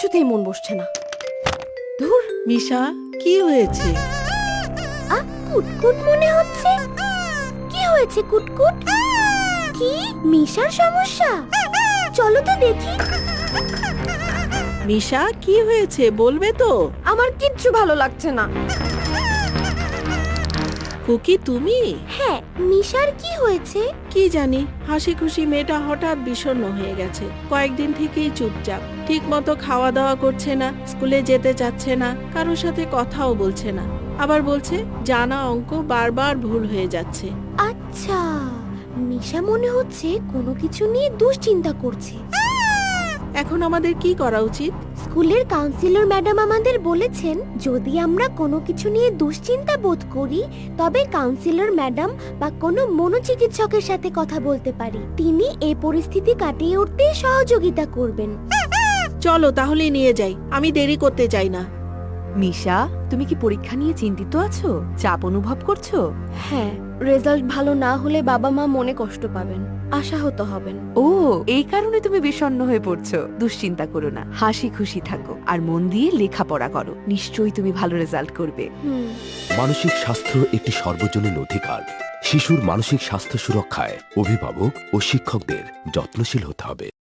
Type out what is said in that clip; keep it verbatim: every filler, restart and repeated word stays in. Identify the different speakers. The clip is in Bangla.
Speaker 1: কিছুতেই মন বসছে না। ধুর,
Speaker 2: মিশা, কি হয়েছে?
Speaker 3: আ কুটকুট মনে হচ্ছে। কি হয়েছে কুটকুট? কি মিশার সমস্যা? চলো তো দেখি।
Speaker 2: মিশা, কি হয়েছে বলবে তো?
Speaker 1: আমার কিচ্ছু ভালো লাগছে না।
Speaker 2: খুকি, তুমি?
Speaker 3: হ্যাঁ, মিশার কি হয়েছে?
Speaker 2: কি জানি, হাসি খুশি মেয়েটা হঠাৎ বিষণ্ণ হয়ে গেছে। কয়েকদিন থেকেই চুপচাপ, ঠিক মতো খাওয়া দাওয়া করছে না, স্কুলে যেতে চাচ্ছে না, কারোর সাথে কথাও বলছে না। আবার বলছে জানা অঙ্ক বারবার ভুল হয়ে যাচ্ছে।
Speaker 3: আচ্ছা, মিশা মনে হচ্ছে কোনো কিছু নিয়ে দুশ্চিন্তা করছে।
Speaker 2: এখন আমাদের কি করা উচিত?
Speaker 3: স্কুলের কাউন্সিলর ম্যাডাম আমাদের বলেছেন যদি আমরা কোনো কিছু নিয়ে দুশ্চিন্তা বোধ করি তবে কাউন্সিলর ম্যাডাম বা কোনো মনোচিকিৎসকের সাথে কথা বলতে পারি। তিনি এই পরিস্থিতি কাটিয়ে উঠতে সহযোগিতা করবেন।
Speaker 2: চলো তাহলে নিয়ে যাই, আমি দেরি করতে চাই না।
Speaker 4: মিশা, তুমি কি পরীক্ষা নিয়ে চিন্তিত আছো? চাপ অনুভব করছো?
Speaker 1: হ্যাঁ, রেজাল্ট ভালো না হলে বাবা মা মনে কষ্ট পাবেন, আশাহত হবেন।
Speaker 4: ও, এই কারণে তুমি বিষণ্ণ হয়ে পড়ছো। দুশ্চিন্তা করো না, হাসি খুশি থাকো আর মন দিয়ে লেখাপড়া করো। নিশ্চয়ই তুমি ভালো রেজাল্ট করবে।
Speaker 1: হুম।
Speaker 5: মানসিক স্বাস্থ্য একটি সর্বজনীন অধিকার। শিশুর মানসিক স্বাস্থ্য সুরক্ষায় অভিভাবক ও শিক্ষকদের যত্নশীল হতে হবে।